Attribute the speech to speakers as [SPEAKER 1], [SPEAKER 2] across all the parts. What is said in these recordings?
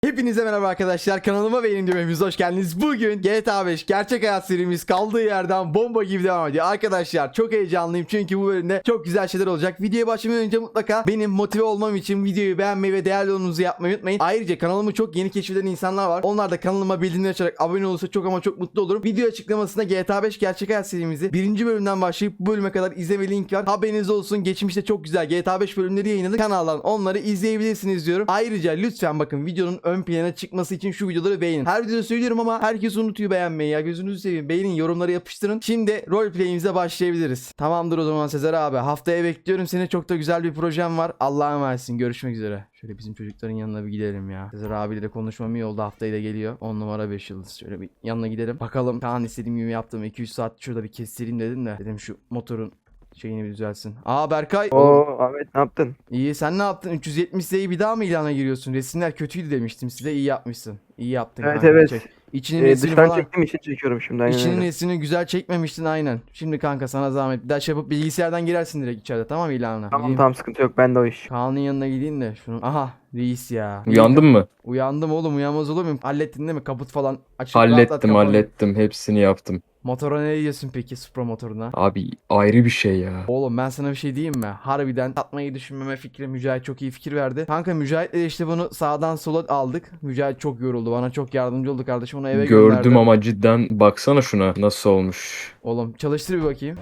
[SPEAKER 1] Hepinize merhaba arkadaşlar, kanalıma ve yeni videomuza hoş geldiniz. Bugün GTA 5 gerçek hayat serimiz kaldığı yerden bomba gibi devam ediyor. Arkadaşlar çok heyecanlıyım çünkü bu bölümde çok güzel şeyler olacak. Videoya başlamadan önce mutlaka benim motive olmam için videoyu beğenmeyi ve değerli yorumunuzu yapmayı unutmayın. Ayrıca kanalımı çok yeni keşfeden insanlar var. Onlar da kanalıma bildirimleri açarak abone olursa çok ama çok mutlu olurum. Video açıklamasında GTA 5 gerçek hayat serimizi 1. bölümden başlayıp bu bölüme kadar izleme link var. Haberiniz olsun, geçmişte çok güzel GTA 5 bölümleri yayınladık. Kanaldan onları izleyebilirsiniz diyorum. Ayrıca lütfen bakın videonun ön plana çıkması için şu videoları beğenin. Her videoda söylüyorum ama herkes unutuyor beğenmeyi ya. Gözünüzü seveyim. Beğenin, yorumları yapıştırın. Şimdi roleplay'imize başlayabiliriz. Tamamdır o zaman Sezer abi. Haftaya bekliyorum seni. Çok da güzel bir projem var. Allah'a emanetsin. Görüşmek üzere. Şöyle bizim çocukların yanına bir gidelim ya. Sezer abiyle de konuşmam iyi oldu. Haftaya da geliyor. 10 numara 5 yıldız. Şöyle bir yanına gidelim. Bakalım. Kaan istediğim gibi yaptım. 2-3 saat şurada bir kestireyim dedim de. Dedim şu motorun şeyini bir düzelsin. Aa Berkay.
[SPEAKER 2] Oo Ahmet ne yaptın?
[SPEAKER 1] İyi, sen ne yaptın? 370 Z'yi bir daha mı ilana giriyorsun? Resimler kötüydü demiştim size. İyi yapmışsın. İyi yaptın
[SPEAKER 2] Evet
[SPEAKER 1] kanka.
[SPEAKER 2] evet.
[SPEAKER 1] Çek. İçinin resmini
[SPEAKER 2] Dıştan
[SPEAKER 1] falan.
[SPEAKER 2] çektiğim için çekiyorum şimdi. Aynen
[SPEAKER 1] İçinin
[SPEAKER 2] öyle.
[SPEAKER 1] resmini güzel çekmemiştin aynen. Şimdi kanka sana zahmet. Bir daha şey yapıp bilgisayardan girersin direkt içeride, tamam mı, ilana?
[SPEAKER 2] Tamam
[SPEAKER 1] Gideyim.
[SPEAKER 2] tamam, sıkıntı yok, bende o iş.
[SPEAKER 1] Kaan'ın yanına gideyim de şunu. Aha reis ya.
[SPEAKER 3] Uyandın mı?
[SPEAKER 1] Uyandım oğlum, uyanmaz olur muyum? Hallettin değil mi? Kaput falan açıp rahatlat
[SPEAKER 3] Hallettim
[SPEAKER 1] kafanı.
[SPEAKER 3] hallettim. Hepsini yaptım.
[SPEAKER 1] Motora ne diyorsun peki, Supra motoruna?
[SPEAKER 3] Abi ayrı bir şey ya.
[SPEAKER 1] Oğlum ben sana bir şey diyeyim mi? Harbiden satmayı düşünmeme fikri Mücahit çok iyi fikir verdi. Kanka Mücahit'le işte bunu sağdan sola aldık. Mücahit çok yoruldu. Bana çok yardımcı oldu kardeşim. Onu eve
[SPEAKER 3] Gördüm
[SPEAKER 1] gönderdim.
[SPEAKER 3] ama cidden baksana şuna nasıl olmuş.
[SPEAKER 1] Oğlum çalıştır bir bakayım.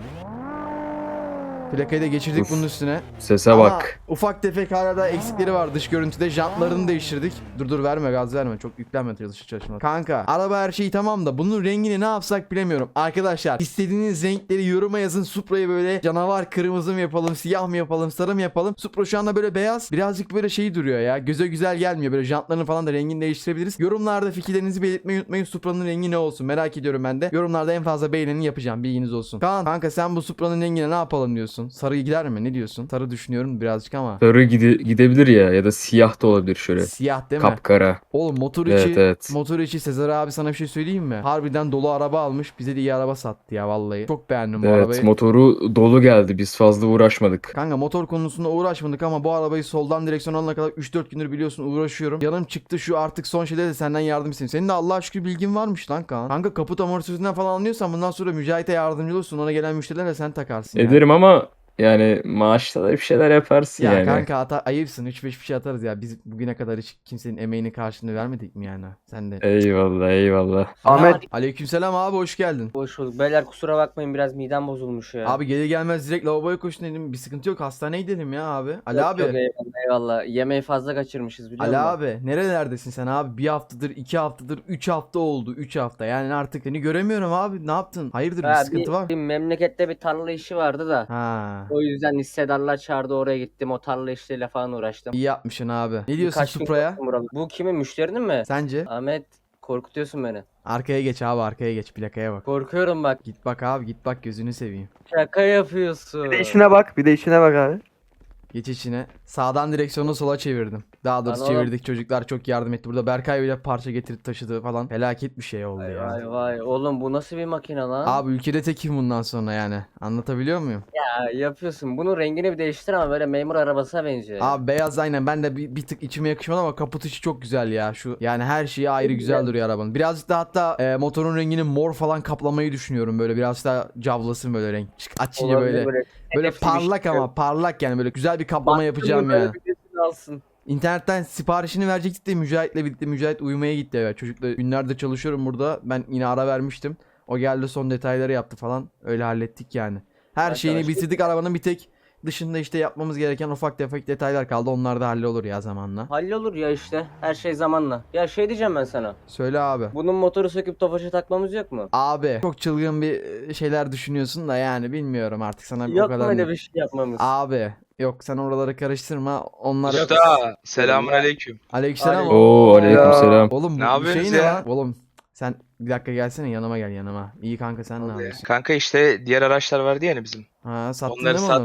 [SPEAKER 1] Plakayı da geçirdik
[SPEAKER 3] Uf.
[SPEAKER 1] bunun üstüne.
[SPEAKER 3] Sese
[SPEAKER 1] Ama
[SPEAKER 3] bak.
[SPEAKER 1] ufak tefek hala da eksikleri var dış görüntüde. Jantlarını değiştirdik. Dur verme, gaz verme. Çok yüklenme çalışma. Kanka araba her şeyi tamam da bunun rengini ne yapsak bilemiyorum. Arkadaşlar istediğiniz renkleri yoruma yazın. Supra'yı böyle canavar kırmızı mı yapalım, siyah mı yapalım, sarı mı yapalım? Supra şu anda böyle beyaz. Birazcık böyle şey duruyor ya. Göze güzel gelmiyor. Böyle jantlarını falan da rengini değiştirebiliriz. Yorumlarda fikirlerinizi belirtmeyi unutmayın. Supra'nın rengi ne olsun merak ediyorum ben de. Yorumlarda en fazla beğeneni yapacağım. Bilginiz olsun. Kaan kanka sen bu Supra'nın rengine ne yapalım diyorsun? Sarı gider mi? Ne diyorsun? Sarı düşünüyorum birazcık ama.
[SPEAKER 3] Sarı gidebilir ya da siyah da olabilir şöyle.
[SPEAKER 1] Siyah değil mi?
[SPEAKER 3] Kapkara.
[SPEAKER 1] Oğlum motor
[SPEAKER 3] Evet,
[SPEAKER 1] içi,
[SPEAKER 3] evet.
[SPEAKER 1] motor içi Sezer abi sana bir şey söyleyeyim mi? Harbiden dolu araba almış. Bize de iyi araba sattı ya vallahi. Çok beğendim bu
[SPEAKER 3] Evet,
[SPEAKER 1] arabayı.
[SPEAKER 3] motoru dolu geldi. Biz fazla uğraşmadık.
[SPEAKER 1] Kanka motor konusunda uğraşmadık ama bu arabayı soldan direksiyon alana kadar 3-4 gündür biliyorsun uğraşıyorum. Yanım çıktı şu artık son şeyde de senden yardım isteyeyim. Senin de Allah'a şükür bilgin varmış lan Kaan. Kanka kaput amortisöründen falan anlıyorsan bundan sonra Mücahit'e yardımcı olursun. Ona gelen müşterilerle sen takarsın ya.
[SPEAKER 3] Ederim ama yani maaşta da bir şeyler yaparsın
[SPEAKER 1] Ya
[SPEAKER 3] yani.
[SPEAKER 1] kanka ayıpsın, 3-5 bir şey atarız ya. Biz bugüne kadar hiç kimsenin emeğinin karşılığını vermedik mi yani? Sen de.
[SPEAKER 3] Eyvallah eyvallah.
[SPEAKER 2] Ahmet.
[SPEAKER 1] Aleykümselam abi, hoş geldin.
[SPEAKER 4] Hoş bulduk. Beyler kusura bakmayın, biraz midem bozulmuş ya.
[SPEAKER 1] Abi gelir gelmez direkt lavaboya koşun dedim. Bir sıkıntı yok, hastaneye gidelim ya abi. Ali
[SPEAKER 4] Yok,
[SPEAKER 1] abi.
[SPEAKER 4] yok, eyvallah, eyvallah. Yemeği fazla kaçırmışız biliyor
[SPEAKER 1] Ali
[SPEAKER 4] musun?
[SPEAKER 1] abi nerelerdesin sen abi? Bir haftadır, 2 haftadır, 3 hafta oldu. 3 hafta yani artık seni göremiyorum abi. Ne yaptın? Hayırdır, bir
[SPEAKER 4] Ha,
[SPEAKER 1] sıkıntı var?
[SPEAKER 4] bir memlekette bir tarla işi vardı da.
[SPEAKER 1] Ha.
[SPEAKER 4] O yüzden hissedarlar çağırdı, oraya gittim. O tarla işleriyle falan uğraştım.
[SPEAKER 1] İyi yapmışsın abi. Ne diyorsun
[SPEAKER 4] Birkaç gün
[SPEAKER 1] Supra'ya?
[SPEAKER 4] kalktım buralarda. Bu kimin, müşterinin mi?
[SPEAKER 1] Sence?
[SPEAKER 4] Ahmet, korkutuyorsun beni.
[SPEAKER 1] Arkaya geç abi, arkaya geç, plakaya bak.
[SPEAKER 4] Korkuyorum bak.
[SPEAKER 1] Git bak abi, git bak, gözünü seveyim.
[SPEAKER 4] Şaka yapıyorsun.
[SPEAKER 2] Bir de işine bak, bir de işine bak abi.
[SPEAKER 1] Geç içine. Sağdan direksiyonu sola çevirdim. Daha doğrusu
[SPEAKER 4] Lan oğlum.
[SPEAKER 1] çevirdik, çocuklar çok yardım etti. Burada Berkay bile parça getirip taşıdı falan. Felaket bir şey oldu
[SPEAKER 4] Vay
[SPEAKER 1] ya.
[SPEAKER 4] vay vay. Oğlum bu nasıl bir makine lan?
[SPEAKER 1] Abi ülkede tekim bundan sonra yani. Anlatabiliyor muyum?
[SPEAKER 4] Ya yapıyorsun. Bunun rengini bir değiştir ama böyle memur arabasına benziyor.
[SPEAKER 1] Abi beyaz aynen, ben de bir tık içime yakışmadı ama kaput içi çok güzel ya. Şu yani her şeyi ayrı güzel duruyor arabanın. Birazcık da hatta motorun rengini mor falan kaplamayı düşünüyorum. Böyle biraz daha cavlasın böyle renk. Açınca
[SPEAKER 4] Olabilir,
[SPEAKER 1] böyle
[SPEAKER 4] hedefli bir
[SPEAKER 1] parlak
[SPEAKER 4] şey.
[SPEAKER 1] ama parlak yani, böyle güzel bir kaplama
[SPEAKER 4] Baktın
[SPEAKER 1] yapacağım
[SPEAKER 4] mı böyle
[SPEAKER 1] yani.
[SPEAKER 4] birisini alsın.
[SPEAKER 1] İnternetten siparişini verecektik de Mücahit'le birlikte. Mücahit uyumaya gitti eve. Çocukla günlerdir çalışıyorum burada. Ben yine ara vermiştim. O geldi, son detayları yaptı falan. Öyle hallettik yani. Her şeyini
[SPEAKER 4] Arkadaşlar-
[SPEAKER 1] bitirdik arabanın, bir tek dışında işte yapmamız gereken ufak tefek detaylar kaldı. Onlar da hallolur ya zamanla.
[SPEAKER 4] Hallolur ya işte. Her şey zamanla. Ya şey diyeceğim ben sana.
[SPEAKER 1] Söyle abi.
[SPEAKER 4] Bunun motoru söküp tofaşa takmamız yok mu?
[SPEAKER 1] Abi çok çılgın bir şeyler düşünüyorsun da yani bilmiyorum artık sana o
[SPEAKER 4] Yok mu
[SPEAKER 1] kadar.
[SPEAKER 4] öyle bir şey yapmamız?
[SPEAKER 1] Abi yok, sen oraları karıştırma. Onlar
[SPEAKER 5] Usta, selamun aleyküm.
[SPEAKER 1] Aleykümselam.
[SPEAKER 4] Aleyküm.
[SPEAKER 3] Oo aleykümselam.
[SPEAKER 1] Oğlum
[SPEAKER 5] Ne
[SPEAKER 1] bu
[SPEAKER 5] yapıyorsunuz
[SPEAKER 1] şey ne
[SPEAKER 5] ya?
[SPEAKER 1] lan? Oğlum sen bir dakika gelsene, yanıma gel yanıma. İyi kanka, sen ne yapıyorsun?
[SPEAKER 5] Kanka işte diğer araçlar vardı yani bizim.
[SPEAKER 1] Ha, sattın
[SPEAKER 5] Onları
[SPEAKER 1] değil mi onu?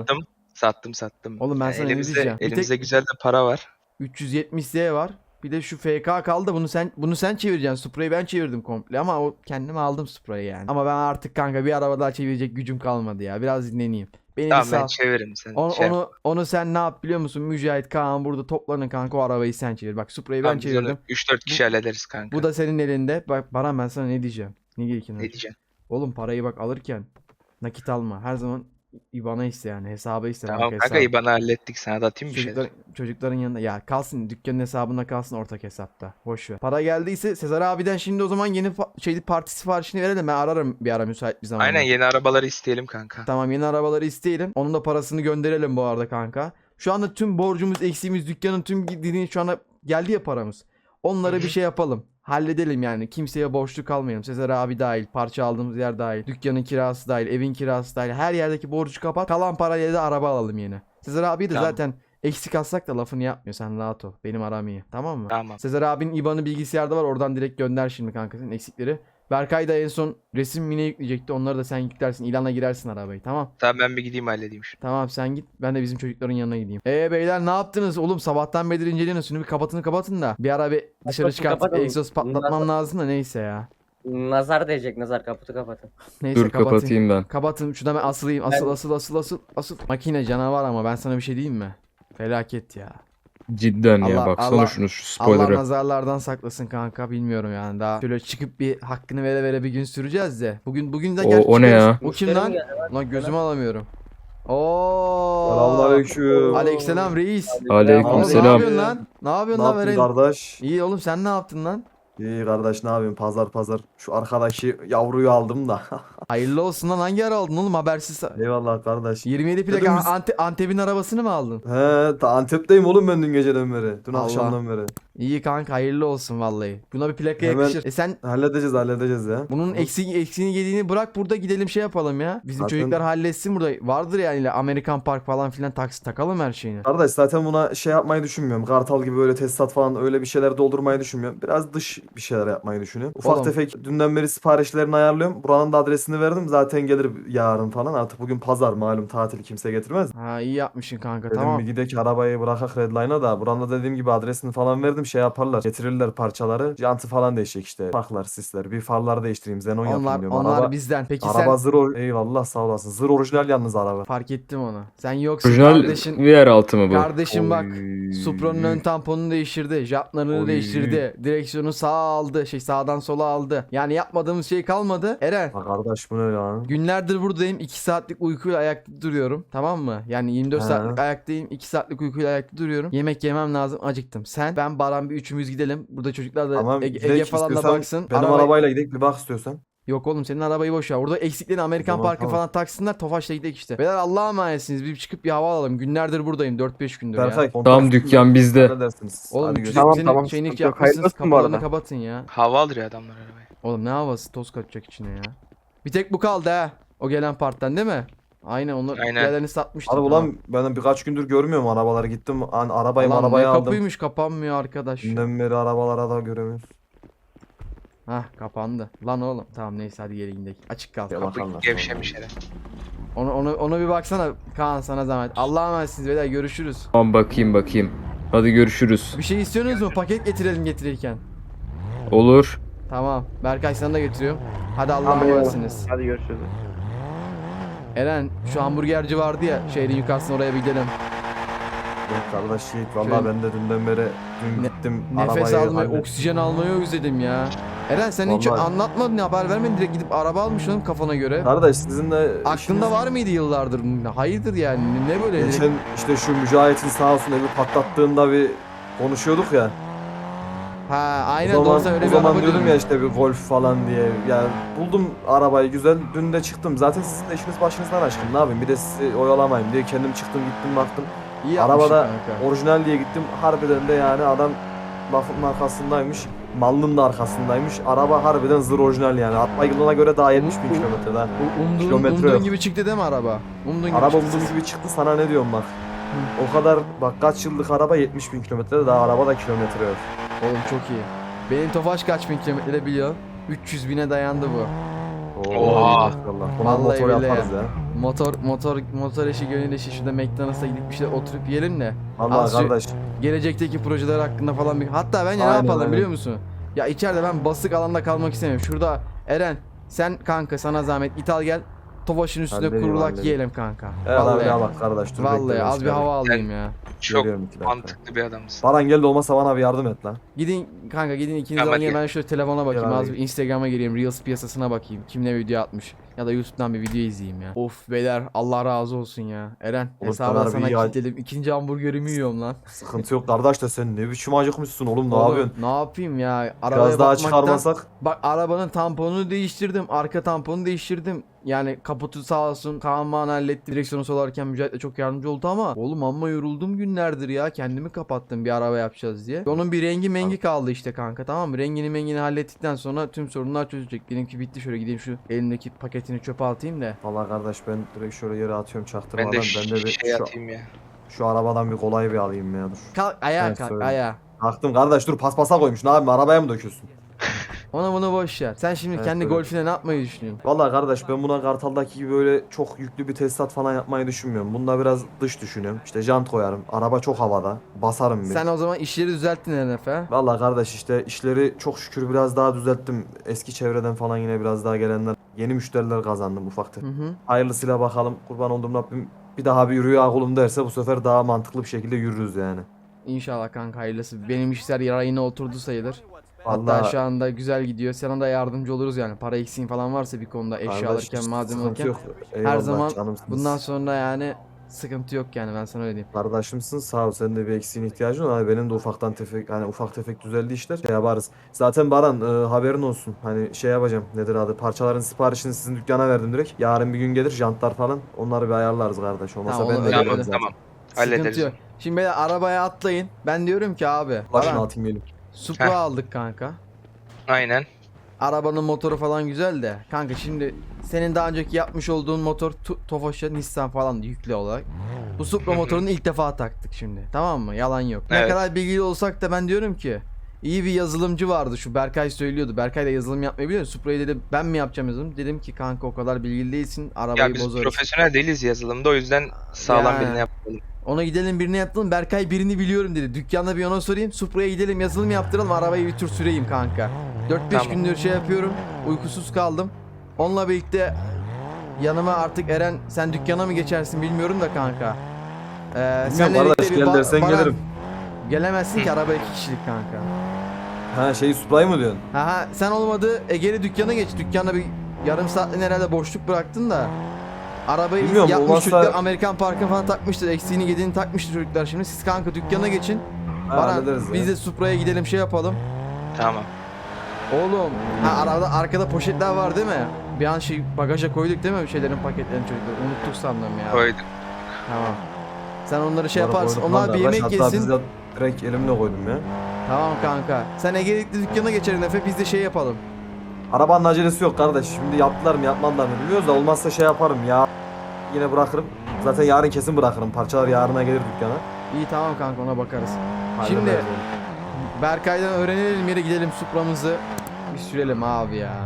[SPEAKER 5] sattım.
[SPEAKER 1] Oğlum ben
[SPEAKER 5] Yani
[SPEAKER 1] sana ne diyeceğim? Bir
[SPEAKER 5] elimizde
[SPEAKER 1] tek
[SPEAKER 5] güzel de para var.
[SPEAKER 1] 370 Z var. Bir de şu FK kaldı. Bunu sen çevireceksin. Supra'yı ben çevirdim komple ama o kendime aldım Supra'yı yani. Ama ben artık kanka bir araba daha çevirecek gücüm kalmadı ya. Biraz dinleneyim. Beni bir
[SPEAKER 5] Tamam ben
[SPEAKER 1] sal.
[SPEAKER 5] çeviririm sen.
[SPEAKER 1] Onu,
[SPEAKER 5] şey yap.
[SPEAKER 1] onu sen ne yap biliyor musun? Mücahit, Kaan burada toplanın kanka, o arabayı sen çevir. Bak Supra'yı ben
[SPEAKER 5] Tamam biz onu
[SPEAKER 1] çevirdim.
[SPEAKER 5] 3-4 kişi hallederiz kanka.
[SPEAKER 1] Bu da senin elinde. Bak Baran, ben sana ne diyeceğim? Ne gerekiyor?
[SPEAKER 5] Ne diyeceksin?
[SPEAKER 1] Oğlum parayı bak alırken nakit alma. Her zaman IBAN'a iste, yani hesaba iste.
[SPEAKER 5] Tamam
[SPEAKER 1] banka
[SPEAKER 5] kanka
[SPEAKER 1] hesabı.
[SPEAKER 5] IBAN'ı hallettik. Sana da atayım bir şey.
[SPEAKER 1] Çocukların yanında ya kalsın, dükkanın hesabında kalsın, ortak hesapta. Boş ver. Para geldiyse Sezar abiden şimdi o zaman yeni parti siparişini verelim. Ben ararım bir ara müsait bir zamanda.
[SPEAKER 5] Aynen yeni arabaları isteyelim kanka.
[SPEAKER 1] Tamam, yeni arabaları isteyelim. Onun da parasını gönderelim bu arada kanka. Şu anda tüm borcumuz, eksiğimiz, dükkanın tüm gittiğini şu anda geldi ya paramız. Onlara bir şey yapalım. Halledelim yani. Kimseye borçlu kalmayalım. Sezer abi dahil, parça aldığımız yer dahil, dükkanın kirası dahil, evin kirası dahil. Her yerdeki borcu kapat. Kalan parayla da araba alalım yeni. Sezer abi de
[SPEAKER 5] Tamam.
[SPEAKER 1] zaten eksik alsak da lafını yapmıyor. Sen rahat ol. Benim aram iyi. Tamam mı?
[SPEAKER 5] Tamam.
[SPEAKER 1] Sezer abinin IBAN'ı bilgisayarda var. Oradan direkt gönder şimdi kanka senin eksikleri. Berkay da en son resim mini yükleyecekti. Onları da sen yüklersin. İlana girersin arabayı. Tamam.
[SPEAKER 5] Tamam ben bir gideyim halledeyim şimdi.
[SPEAKER 1] Tamam sen git. Ben de bizim çocukların yanına gideyim. Beyler ne yaptınız? Oğlum sabahtan beri inceliyorsunuz. Şunu bir kapatın da. Bir ara bir dışarı çıkartıp
[SPEAKER 4] kapatın.
[SPEAKER 1] egzoz patlatmam lazım da neyse ya.
[SPEAKER 4] Nazar değecek, nazar, kaputu kapatın.
[SPEAKER 1] Neyse
[SPEAKER 3] Dur kapatayım ben.
[SPEAKER 1] Kapatın. Şurada ben asılayım. Asıl. Makine canavar ama ben sana bir şey diyeyim mi? Felaket ya.
[SPEAKER 3] Cidden ya
[SPEAKER 1] Allah-
[SPEAKER 3] baksana
[SPEAKER 1] Allah-
[SPEAKER 3] şunu şu
[SPEAKER 1] Allah
[SPEAKER 3] spoiler'ı.
[SPEAKER 1] nazarlardan saklasın kanka, bilmiyorum yani, daha şöyle çıkıp bir hakkını vere bir gün süreceğiz de. Bugün de
[SPEAKER 3] O ne ya?
[SPEAKER 1] O kim
[SPEAKER 4] Müşterim
[SPEAKER 1] lan?
[SPEAKER 4] geldi lan.
[SPEAKER 1] Lan gözümü alamıyorum. Oo.
[SPEAKER 2] Selamünaleyküm.
[SPEAKER 1] Aleykümselam reis.
[SPEAKER 3] Aleyküm
[SPEAKER 1] Oğlum, ne
[SPEAKER 3] selam.
[SPEAKER 1] yapıyorsun lan? Ne yapıyorsun
[SPEAKER 2] Ne
[SPEAKER 1] lan
[SPEAKER 2] yaptın
[SPEAKER 1] Veren?
[SPEAKER 2] kardeş?
[SPEAKER 1] İyi oğlum, sen ne yaptın lan?
[SPEAKER 2] İyi kardeş, ne yapayım? Pazar. Şu arkadaki yavruyu aldım da.
[SPEAKER 1] Hayırlı olsun lan, hangi ara aldın oğlum habersiz?
[SPEAKER 2] Eyvallah kardeş.
[SPEAKER 1] 27 plaka
[SPEAKER 2] Dedim biz-
[SPEAKER 1] Antep'in arabasını mı aldın?
[SPEAKER 2] He, Antep'teyim oğlum ben dün geceden beri. Dün
[SPEAKER 1] Allah.
[SPEAKER 2] akşamdan beri.
[SPEAKER 1] İyi kanka, hayırlı olsun vallahi. Buna bir plaka
[SPEAKER 2] Hemen-
[SPEAKER 1] yakışır. Sen
[SPEAKER 2] Halledeceğiz ya.
[SPEAKER 1] bunun eksiğini yediğini bırak, burada gidelim şey yapalım ya. Bizim
[SPEAKER 2] Zaten-
[SPEAKER 1] çocuklar halletsin burada. Vardır yani Amerikan Park falan filan, taksi takalım her şeyini.
[SPEAKER 2] Kardeş zaten buna şey yapmayı düşünmüyorum. Kartal gibi böyle tesisat falan öyle bir şeyler doldurmayı düşünmüyorum. Biraz dış bir şeyler yapmayı düşünüyorum. Ufak
[SPEAKER 1] Oğlum.
[SPEAKER 2] tefek dünden beri siparişlerini ayarlıyorum. Buranın da adresini verdim. Zaten gelir yarın falan. Artık bugün pazar malum, tatil kimse getirmez.
[SPEAKER 1] Ha, iyi yapmışsın kanka,
[SPEAKER 2] Dedim
[SPEAKER 1] tamam.
[SPEAKER 2] bir gidek arabayı bırakak Redline'a da. Buranın da dediğim gibi adresini falan verdim. Şey yaparlar. Getirirler parçaları. Jantı falan değişecek işte. Farklar, sisler. Bir farları değiştireyim. Xenon yapayım
[SPEAKER 1] Onlar
[SPEAKER 2] diyorum.
[SPEAKER 1] onlar
[SPEAKER 2] Araba,
[SPEAKER 1] bizden. Peki
[SPEAKER 2] araba
[SPEAKER 1] sen
[SPEAKER 2] Eyvallah sağ olasın. Zır orijinal yalnız araba.
[SPEAKER 1] fark ettim onu. Sen yoksun
[SPEAKER 3] Orijinal
[SPEAKER 1] kardeşin.
[SPEAKER 3] VR altı mı bu?
[SPEAKER 1] Kardeşim bak,
[SPEAKER 2] Oy.
[SPEAKER 1] Supra'nın ön tamponunu değiştirdi. Jantlarını
[SPEAKER 2] Oy.
[SPEAKER 1] değiştirdi. Direksiyonu sağa aldı. Sağdan sola aldı. Yani yapmadığımız şey kalmadı. Eren,
[SPEAKER 2] Ha kardeş bu ne lan?
[SPEAKER 1] günlerdir buradayım. 2 saatlik uykuyla ayakta duruyorum. Tamam mı? Yani 24
[SPEAKER 2] He.
[SPEAKER 1] saatlik ayaktayım. 2 saatlik uykuyla ayakta duruyorum. Yemek yemem lazım. Acıktım. Sen, ben, Baran bir üçümüz gidelim. Burada çocuklar da
[SPEAKER 2] Tamam
[SPEAKER 1] Ege
[SPEAKER 2] gidek
[SPEAKER 1] falan da
[SPEAKER 2] istiyorsan
[SPEAKER 1] baksın.
[SPEAKER 2] benim
[SPEAKER 1] Arabayı-
[SPEAKER 2] arabayla gidelim bir bak istiyorsan.
[SPEAKER 1] Yok oğlum, senin arabayı boş ver. Orada eksiklerini Amerikan
[SPEAKER 2] Tamam,
[SPEAKER 1] Parkı
[SPEAKER 2] tamam.
[SPEAKER 1] falan taksınlar. Tofaş'la gidelim işte. Beyler Allah'a emanetsiniz. Bir çıkıp bir hava alalım. Günlerdir buradayım. 4-5 gündür ya.
[SPEAKER 2] Berkay.
[SPEAKER 3] Tamam, dükkan bizde.
[SPEAKER 2] Halledersiniz.
[SPEAKER 1] Oğlum
[SPEAKER 2] Hadi
[SPEAKER 1] çocuk
[SPEAKER 2] görüşürüz.
[SPEAKER 1] senin
[SPEAKER 2] Tamam,
[SPEAKER 1] şeyini
[SPEAKER 2] sıkıntı yok.
[SPEAKER 1] yapmışsınız.
[SPEAKER 2] Hayırlı olsun bu
[SPEAKER 1] Kapılarını
[SPEAKER 2] arada.
[SPEAKER 1] kapatın ya.
[SPEAKER 5] Hava alır ya adamlar arabayı.
[SPEAKER 1] Oğlum ne havası, toz kaçacak içine ya. Bir tek bu kaldı ha. O gelen parttan değil mi? Aynen, onlar
[SPEAKER 5] Aynen.
[SPEAKER 1] diğerlerini satmıştık.
[SPEAKER 2] Abi ulan ben birkaç gündür görmüyorum arabaları. Gittim arabayı
[SPEAKER 1] Lan
[SPEAKER 2] arabayı
[SPEAKER 1] ne
[SPEAKER 2] aldım.
[SPEAKER 1] kapıymış, kapanmıyor arkadaş.
[SPEAKER 2] Dünden beri arabalara da göremiyoruz.
[SPEAKER 1] Hah, kapandı. Lan oğlum tamam, neyse hadi geri gidelim. Açık kalsın.
[SPEAKER 2] Ya
[SPEAKER 5] Kapı
[SPEAKER 2] bakalım.
[SPEAKER 5] gevşemiş hele.
[SPEAKER 1] Ona bir baksana Kaan, sana zahmet. Allah'a emanetsiniz beyler, görüşürüz.
[SPEAKER 3] Tamam bakayım. Hadi görüşürüz.
[SPEAKER 1] Bir şey istiyorsunuz mu? Paket getirelim getirirken.
[SPEAKER 3] Olur.
[SPEAKER 1] Tamam. Berkay sana da getiriyorum. Hadi Allah'a
[SPEAKER 2] Tamam.
[SPEAKER 1] emanetsiniz.
[SPEAKER 2] Hadi görüşürüz.
[SPEAKER 1] Eren, şu hamburgerci vardı ya şehrin yukarısına, oraya bir gidelim.
[SPEAKER 2] Yok kardeş Yiğit valla
[SPEAKER 1] Şöyle-
[SPEAKER 2] ben de dünden beri
[SPEAKER 1] Ne-
[SPEAKER 2] gittim
[SPEAKER 1] Nefes
[SPEAKER 2] arabayı
[SPEAKER 1] almayı,
[SPEAKER 2] hallettim.
[SPEAKER 1] oksijen almayı özledim ya. Eren sen hiç
[SPEAKER 2] Vallahi-
[SPEAKER 1] anlatmadın, haber vermedin, direkt gidip araba almış oğlum kafana göre.
[SPEAKER 2] Kardeş sizin de
[SPEAKER 1] Aklında var mıydı yıllardır? Hayırdır yani, ne böyle?
[SPEAKER 2] Geçen işte şu Mücahit'in sağ olsun evi patlattığında bir konuşuyorduk ya.
[SPEAKER 1] Ha aynen,
[SPEAKER 2] O zaman,
[SPEAKER 1] doğru, sen öyle
[SPEAKER 2] o
[SPEAKER 1] bir
[SPEAKER 2] zaman
[SPEAKER 1] araba
[SPEAKER 2] diyordum
[SPEAKER 1] diyordun.
[SPEAKER 2] ya işte bir Golf falan diye. Yani buldum arabayı güzel. Dün de çıktım. Zaten sizin de işiniz başınızdan aşkın. Ne yapayım? Bir de sizi oyalamayayım diye kendim çıktım gittim baktım.
[SPEAKER 1] İyi yapmışsın
[SPEAKER 2] Arabada
[SPEAKER 1] kanka.
[SPEAKER 2] orijinal diye gittim. Harbiden de yani adam lafın arkasındaymış. Malının da arkasındaymış. Araba harbiden zır orijinal yani. Atma yılına göre daha 70 bin kilometre daha. Kilometre
[SPEAKER 1] Umduğun
[SPEAKER 2] yok.
[SPEAKER 1] gibi çıktı değil mi araba? Umduğun gibi
[SPEAKER 2] Araba
[SPEAKER 1] çıktı.
[SPEAKER 2] umduğum gibi çıktı, sana ne diyorum bak. O kadar bak, kaç yıllık araba 70 bin kilometrede, daha araba da kilometre yok.
[SPEAKER 1] Oğlum çok iyi. Benim Tofaş kaç bin kilometre biliyor? 300 bine dayandı bu.
[SPEAKER 5] Oha.
[SPEAKER 2] Maşallah. Buna
[SPEAKER 1] Vallahi
[SPEAKER 2] motor
[SPEAKER 1] billahi
[SPEAKER 2] yaparız ya.
[SPEAKER 1] Motor eşi gönül eşi, şurada McDonald's'a gidip bir şey oturup yiyelim de.
[SPEAKER 2] Vallahi
[SPEAKER 1] Az şu-
[SPEAKER 2] kardeş.
[SPEAKER 1] Gelecekteki projeler hakkında falan bir... Hatta bence ne
[SPEAKER 2] Aynen,
[SPEAKER 1] yapalım
[SPEAKER 2] aynen.
[SPEAKER 1] biliyor musun? Ya içeride ben basık alanda kalmak istemiyorum. Şurada Eren, sen kanka sana zahmet git al gel. Tofaş'ın üstüne
[SPEAKER 2] Halledeyim,
[SPEAKER 1] kurulak
[SPEAKER 2] halledeyim.
[SPEAKER 1] yiyelim kanka.
[SPEAKER 2] Evet abi
[SPEAKER 1] Vallahi.
[SPEAKER 2] ya bak kardeş dur.
[SPEAKER 1] Vallahi
[SPEAKER 2] bekle,
[SPEAKER 1] az bir
[SPEAKER 2] bekle.
[SPEAKER 1] hava alayım ya.
[SPEAKER 5] Çok
[SPEAKER 2] Geliyorum 2 dakika.
[SPEAKER 5] mantıklı bir adamsın.
[SPEAKER 2] Baran gel de olmazsa bana bir yardım et lan.
[SPEAKER 1] Gidin kanka gidin ikiniz
[SPEAKER 5] Tamam,
[SPEAKER 1] alın
[SPEAKER 5] hadi.
[SPEAKER 1] ben şöyle telefona bakayım
[SPEAKER 2] Gel
[SPEAKER 1] az
[SPEAKER 2] abi.
[SPEAKER 1] bir Instagram'a gireyim Reels piyasasına bakayım kim ne video atmış ya da YouTube'dan bir video izleyeyim ya. Of beyler Allah razı olsun ya. Eren
[SPEAKER 2] Oğlum,
[SPEAKER 1] hesabı
[SPEAKER 2] sana
[SPEAKER 1] sana
[SPEAKER 2] bir ya-
[SPEAKER 1] kilitledim. İkinci hamburgerimi yiyorum lan.
[SPEAKER 2] Sıkıntı yok kardeş de sen ne biçim acıkmışsın oğlum ne
[SPEAKER 1] Oğlum,
[SPEAKER 2] yapıyorsun?
[SPEAKER 1] ne yapayım ya? Arabaya
[SPEAKER 2] Biraz daha
[SPEAKER 1] bakmaktan-
[SPEAKER 2] çıkarmasak.
[SPEAKER 1] Bak arabanın tamponunu değiştirdim. Arka tamponu değiştirdim. Yani kaputu sağ olsun Kaan halletti. Direksiyonu solarken Mücahit de çok yardımcı oldu ama oğlum amma yoruldum günlerdir ya. Kendimi kapattım bir araba yapacağız diye. Onun bir rengi mengi kaldı işte kanka tamam mı? Rengini mengini hallettikten sonra tüm sorunlar çözülecek. Benimki bitti şöyle gideyim şu elimdeki paketini çöpe atayım da.
[SPEAKER 2] Vallahi kardeş ben direkt şöyle yere atıyorum çaktırmadan.
[SPEAKER 5] Ben de
[SPEAKER 2] Ben de bir
[SPEAKER 5] şey atayım ya.
[SPEAKER 2] şu arabadan bir kolay bir alayım ya dur.
[SPEAKER 1] Kalk ayağa
[SPEAKER 2] Evet,
[SPEAKER 1] kalk
[SPEAKER 2] söyle.
[SPEAKER 1] ayağa.
[SPEAKER 2] Kalktım kardeş dur paspasa koymuş ne yapayım arabaya mı döküyorsun?
[SPEAKER 1] Ona bunu boş ver. Sen şimdi
[SPEAKER 2] Evet,
[SPEAKER 1] kendi
[SPEAKER 2] öyle.
[SPEAKER 1] golfine ne yapmayı düşünüyorsun?
[SPEAKER 2] Vallahi kardeş ben buna Kartal'daki gibi böyle çok yüklü bir tesisat falan yapmayı düşünmüyorum. Bunda biraz dış düşünüyorum. İşte jant koyarım. Araba çok havada. Basarım bir.
[SPEAKER 1] Sen o zaman işleri düzelttin Efe.
[SPEAKER 2] Vallahi kardeş işte işleri çok şükür biraz daha düzelttim. Eski çevreden falan yine biraz daha gelenler. Yeni müşteriler kazandım ufak tefek.
[SPEAKER 1] Hı hı.
[SPEAKER 2] Hayırlısıyla bakalım. Kurban olduğum Rabbim bir daha bir yürüyor kulum derse bu sefer daha mantıklı bir şekilde yürürüz yani.
[SPEAKER 1] İnşallah kanka hayırlısı. Benim işler yarayına oturdu sayılır. Hatta
[SPEAKER 2] Vallahi
[SPEAKER 1] şu anda güzel gidiyor. Sana da yardımcı oluruz yani. Para eksiğin falan varsa bir konuda eşya
[SPEAKER 2] kardeş,
[SPEAKER 1] alırken,
[SPEAKER 2] hiç
[SPEAKER 1] malzeme
[SPEAKER 2] sıkıntı
[SPEAKER 1] alırken.
[SPEAKER 2] yok. Eyvallah,
[SPEAKER 1] zaman
[SPEAKER 2] canımsınız.
[SPEAKER 1] Bundan sonra yani sıkıntı yok yani ben sana öyle diyeyim.
[SPEAKER 2] Kardeşimsin sağ ol senin de bir eksiğin ihtiyacın var. Hani benim de ufaktan tefek hani ufak tefek düzeldi işler şey yaparız. Zaten Baran haberin olsun hani şey yapacağım nedir adı parçaların siparişini sizin dükkana verdim direkt. Yarın bir gün gelir jantlar falan onları bir ayarlarız kardeş. Olmasa
[SPEAKER 1] Tamam,
[SPEAKER 2] ben
[SPEAKER 1] onu
[SPEAKER 2] de
[SPEAKER 1] öyle
[SPEAKER 2] gelirim
[SPEAKER 1] yapalım.
[SPEAKER 2] zaten.
[SPEAKER 5] Tamam.
[SPEAKER 1] Sıkıntı
[SPEAKER 5] Hallederiz.
[SPEAKER 1] yok. Şimdi beyler arabaya atlayın. Ben diyorum ki abi.
[SPEAKER 2] Başını
[SPEAKER 1] Baran,
[SPEAKER 2] atayım gelin.
[SPEAKER 1] Supra
[SPEAKER 5] Heh.
[SPEAKER 1] aldık kanka.
[SPEAKER 5] Aynen.
[SPEAKER 1] Arabanın motoru falan güzel de. Kanka şimdi senin daha önceki yapmış olduğun motor Tofaş'a Nissan falan yüklü olarak. Bu Supra motorunu ilk defa taktık şimdi. Tamam mı? Yalan yok. Ne
[SPEAKER 5] Evet.
[SPEAKER 1] kadar bilgili olsak da ben diyorum ki iyi bir yazılımcı vardı şu Berkay söylüyordu. Berkay da yazılım yapmayı biliyor. Supra'yı dedi ben mi yapacağım yazılım? Dedim ki kanka o kadar bilgili değilsin. Arabayı
[SPEAKER 5] Ya biz
[SPEAKER 1] bozarız.
[SPEAKER 5] profesyonel değiliz yazılımda o yüzden sağlam
[SPEAKER 1] Ya.
[SPEAKER 5] birini yapalım.
[SPEAKER 1] Ona gidelim birine yaptıralım. Berkay birini biliyorum dedi. Dükkanda bir ona sorayım. Supra'ya gidelim yazılım yaptıralım. Arabayı bir tur süreyim kanka. 4-5
[SPEAKER 5] Tamam.
[SPEAKER 1] gündür şey yapıyorum. Uykusuz kaldım. Onunla birlikte yanıma artık Eren sen dükkana mı geçersin bilmiyorum da kanka. Senle
[SPEAKER 2] kardeş,
[SPEAKER 1] birlikte
[SPEAKER 2] gel dersen
[SPEAKER 1] Baran-
[SPEAKER 2] gelirim.
[SPEAKER 1] Gelemezsin ki araba 2 kişilik kanka.
[SPEAKER 2] Ha şeyi Supra'yı mı diyorsun?
[SPEAKER 1] Ha sen olmadı Ege'li dükkana geç. Dükkanda bir yarım saatliğine herhalde boşluk bıraktın da. Arabayı
[SPEAKER 2] Bilmiyorum,
[SPEAKER 1] yapmış
[SPEAKER 2] olmazsa-
[SPEAKER 1] çocuklar Amerikan parkı falan takmıştır. Eksiğini gediğini takmıştır çocuklar şimdi. Siz kanka dükkana geçin.
[SPEAKER 2] Ha,
[SPEAKER 1] Baran
[SPEAKER 2] hallederiz
[SPEAKER 1] biz
[SPEAKER 2] ya.
[SPEAKER 1] de Supra'ya gidelim şey yapalım.
[SPEAKER 5] Tamam.
[SPEAKER 1] Oğlum ha arada arkada poşetler var değil mi? Bir an şey bagaja koyduk değil mi bir şeylerin paketlerini çocuklar? Unuttuk sandım ya.
[SPEAKER 5] Koyduk.
[SPEAKER 1] Tamam. Sen onları şey
[SPEAKER 2] Bunları
[SPEAKER 1] yaparsın.
[SPEAKER 2] koydum
[SPEAKER 1] Onlar
[SPEAKER 2] lan
[SPEAKER 1] bir
[SPEAKER 2] kardeş.
[SPEAKER 1] yemek
[SPEAKER 2] Hatta
[SPEAKER 1] yesin.
[SPEAKER 2] biz de direkt elimle koydum ya.
[SPEAKER 1] Tamam kanka. Sen Ege'likli dükkana geçerin Efe biz de şey yapalım.
[SPEAKER 2] Arabanın acelesi yok kardeş. Şimdi yaptılar mı yapmadılar mı bilmiyoruz da olmazsa şey yaparım ya. Yine bırakırım. Zaten yarın kesin bırakırım. Parçalar yarına gelir dükkana.
[SPEAKER 1] İyi tamam kanka ona bakarız.
[SPEAKER 2] Hallederiz
[SPEAKER 1] Şimdi
[SPEAKER 2] onu.
[SPEAKER 1] Berkay'dan öğrenelim yere gidelim Supra'mızı bir sürelim abi ya.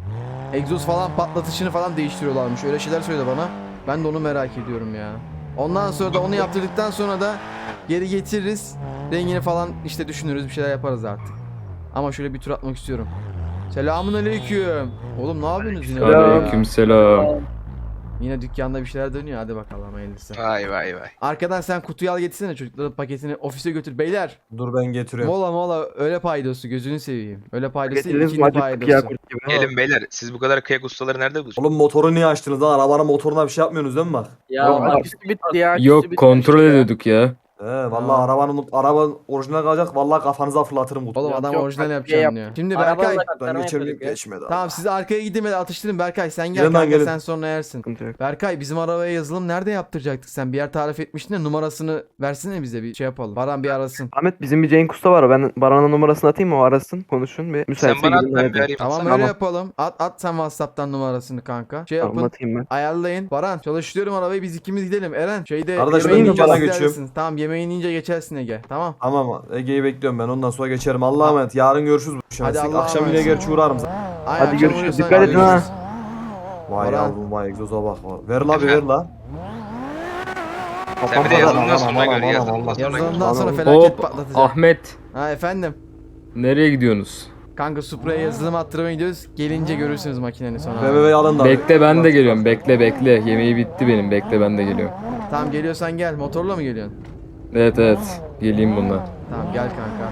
[SPEAKER 1] Egzoz falan patlatışını falan değiştiriyorlarmış. Öyle şeyler söyledi bana. Ben de onu merak ediyorum ya. Ondan sonra da onu yaptırdıktan sonra da geri getiririz. Rengini falan işte düşünürüz bir şeyler yaparız artık. Ama şöyle bir tur atmak istiyorum. Selamun aleyküm. Oğlum ne yapıyorsunuz yine? böyle ya?
[SPEAKER 3] Aleykümselam.
[SPEAKER 1] Yine dükkanda bir şeyler dönüyor. Hadi bakalım hayırlısı.
[SPEAKER 5] Vay vay vay.
[SPEAKER 1] Arkadan sen kutuyu al getirsene çocukların paketini ofise götür. Beyler
[SPEAKER 2] Dur ben getiriyorum.
[SPEAKER 1] mola öyle paydosu gözünü seveyim. Öyle paydosu
[SPEAKER 6] Getirdiniz
[SPEAKER 1] ikili
[SPEAKER 6] mi acıktık ya
[SPEAKER 1] paydosu.
[SPEAKER 6] kurt gibi.
[SPEAKER 5] Gelin beyler siz bu kadar kıyak ustaları nerede buluyorsunuz?
[SPEAKER 2] Oğlum motoru niye açtınız lan? Arabanın motoruna bir şey yapmıyorsunuz değil mi bak?
[SPEAKER 4] Ya
[SPEAKER 6] Yok,
[SPEAKER 4] aküsü bitti ya. aküsü
[SPEAKER 3] Yok
[SPEAKER 4] bitti
[SPEAKER 3] kontrol
[SPEAKER 4] ya.
[SPEAKER 3] ediyorduk ya.
[SPEAKER 2] Vallahi araba orijinal kalacak. Vallahi kafanıza fırlatırım kutuyu.
[SPEAKER 1] Oğlum
[SPEAKER 4] Yok,
[SPEAKER 1] adam
[SPEAKER 4] yok,
[SPEAKER 1] orijinal
[SPEAKER 4] bak,
[SPEAKER 1] yapacağım
[SPEAKER 4] yap.
[SPEAKER 1] diyor. Şimdi
[SPEAKER 4] Arabanın
[SPEAKER 1] Berkay.
[SPEAKER 4] da
[SPEAKER 2] Ben
[SPEAKER 4] aktarma
[SPEAKER 2] geçerim
[SPEAKER 4] yapıyorduk ya.
[SPEAKER 2] geçmedi.
[SPEAKER 1] Tamam siz arkaya gidin hadi atıştırın Berkay sen gel
[SPEAKER 2] Gelin lan,
[SPEAKER 1] kanka
[SPEAKER 2] gelin.
[SPEAKER 1] sen sonra yersin.
[SPEAKER 6] Sıkıntı yok.
[SPEAKER 1] Berkay bizim arabaya yazılım nerede yaptıracaktık sen bir yer tarif etmiştin de numarasını versene bize bir şey yapalım. Baran bir arasın.
[SPEAKER 6] Ahmet bizim bir Cenk Usta var. Ben Baran'a numarasını atayım mı? O arasın. Konuşun. Bir
[SPEAKER 5] Sen
[SPEAKER 6] müsaitse
[SPEAKER 5] bana at
[SPEAKER 6] gidin
[SPEAKER 5] ben bir
[SPEAKER 6] halledin.
[SPEAKER 5] arayayım.
[SPEAKER 1] Tamam
[SPEAKER 5] Sana-
[SPEAKER 1] öyle
[SPEAKER 6] Tamam.
[SPEAKER 1] yapalım. At sen WhatsApp'tan numarasını kanka. Şey
[SPEAKER 6] Tamam
[SPEAKER 1] yapın.
[SPEAKER 6] atayım ben.
[SPEAKER 1] Ayarlayın. Baran çalıştırıyorum arabayı biz ikimiz gidelim. Eren şeyde
[SPEAKER 2] Kardeş,
[SPEAKER 6] ben
[SPEAKER 1] yemeğini
[SPEAKER 6] dükkana
[SPEAKER 1] yiyince
[SPEAKER 2] geçiyorum.
[SPEAKER 1] istersin. Tamam yemeğini yiyince geçersin Ege. Tamam.
[SPEAKER 2] Tamam Ege'yi bekliyorum ben ondan sonra geçerim. Allah'a emanet. Yarın görüşürüz.
[SPEAKER 1] Hadi Allah'a
[SPEAKER 2] Akşam yine
[SPEAKER 1] emanet.
[SPEAKER 2] gerçi uğrarım.
[SPEAKER 1] Ay,
[SPEAKER 6] Hadi
[SPEAKER 1] akşam
[SPEAKER 6] görüşürüz.
[SPEAKER 1] uyuyorsan
[SPEAKER 6] Dikkat edin ha.
[SPEAKER 1] görüşürüz.
[SPEAKER 2] Vay
[SPEAKER 1] Baran.
[SPEAKER 2] yavrum vay egzoza bak. Ver la bir ver la.
[SPEAKER 5] Sen bir de
[SPEAKER 6] Kafam
[SPEAKER 5] yazılımdan sonra
[SPEAKER 2] Aman,
[SPEAKER 5] gör
[SPEAKER 2] yazılımdan
[SPEAKER 5] yazılımdan sonra gör.
[SPEAKER 1] Yazılımdan sonra
[SPEAKER 6] Tamam.
[SPEAKER 1] felaket
[SPEAKER 3] Hop
[SPEAKER 1] patlatacağım.
[SPEAKER 3] Ahmet.
[SPEAKER 1] Ha efendim.
[SPEAKER 3] Nereye gidiyorsunuz?
[SPEAKER 1] Kanka Supra'ya yazılım attırmaya gidiyoruz. Gelince görürsünüz makinenin sonra.
[SPEAKER 2] BMW'yi alın da abi.
[SPEAKER 3] Bekle ben de geliyorum. Bekle bekle. Yemeği bitti benim. Bekle ben de geliyorum.
[SPEAKER 1] Tamam geliyorsan gel. Motorla mı geliyorsun?
[SPEAKER 3] Evet evet. Geleyim bununla.
[SPEAKER 1] Tamam gel kanka.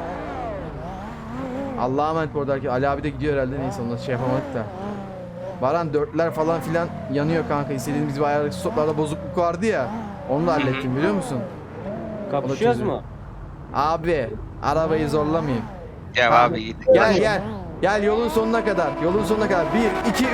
[SPEAKER 1] Allah'a emanet bu arada. Ali abi de gidiyor herhalde. Neyse onu şey yapamadık da. Baran dörtler falan filan yanıyor kanka. İstediğimiz bir ayarlık stoplarda bozukluk vardı ya. Onu da hallettim biliyor musun?
[SPEAKER 4] Kapışıyoruz mu?
[SPEAKER 1] Abi arabayı zorlamayayım.
[SPEAKER 5] Ya
[SPEAKER 1] Tamam.
[SPEAKER 5] abi git.
[SPEAKER 1] Gel gel. Gel yolun sonuna kadar. Yolun sonuna kadar. 1, 2, 3.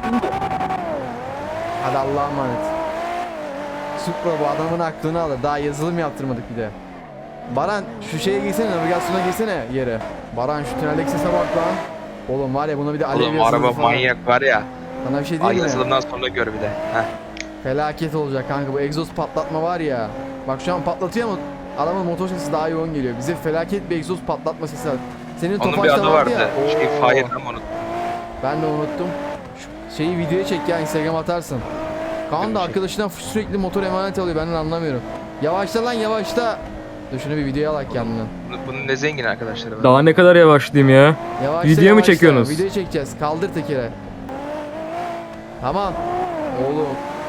[SPEAKER 1] Hadi Allah'a emanet. Supra bu adamın aklını alır. Daha yazılım yaptırmadık bir de. Baran şu şeye girsene, navigasyona girsene yere. Baran şu tüneldeki sese bak lan. Oğlum var ya buna bir de alev
[SPEAKER 5] Oğlum
[SPEAKER 1] yazılımı
[SPEAKER 5] araba
[SPEAKER 1] falan.
[SPEAKER 5] manyak var ya.
[SPEAKER 1] Sana bir şey
[SPEAKER 5] Ay
[SPEAKER 1] diyeyim mi?
[SPEAKER 5] yazılımdan sonra gör bir de. Heh.
[SPEAKER 1] Felaket olacak kanka bu egzoz patlatma var ya. Bak şu an patlatıyor ama adamın motor sesi daha yoğun geliyor. Bize felaket bir egzoz patlatma sesi var. Senin
[SPEAKER 5] Onun bir
[SPEAKER 1] Tofaş'ta
[SPEAKER 5] adı vardı.
[SPEAKER 1] ya.
[SPEAKER 5] Şey
[SPEAKER 1] Oo.
[SPEAKER 5] Fire ama unuttum.
[SPEAKER 1] Ben de unuttum. Şu şeyi videoya çek ya, Instagram atarsın. Kaan da arkadaşından sürekli motor emanet alıyor, ben de anlamıyorum. Yavaşla lan yavaşla. Dur şunu bir videoya alak kendini.
[SPEAKER 5] Bunun ne zengin arkadaşları var.
[SPEAKER 3] Daha ne kadar yavaşlayayım ya?
[SPEAKER 1] Yavaşla,
[SPEAKER 3] Video mu
[SPEAKER 1] yavaşla.
[SPEAKER 3] çekiyorsunuz?
[SPEAKER 1] Video çekeceğiz. Kaldır tekere. Tamam. Oğlum.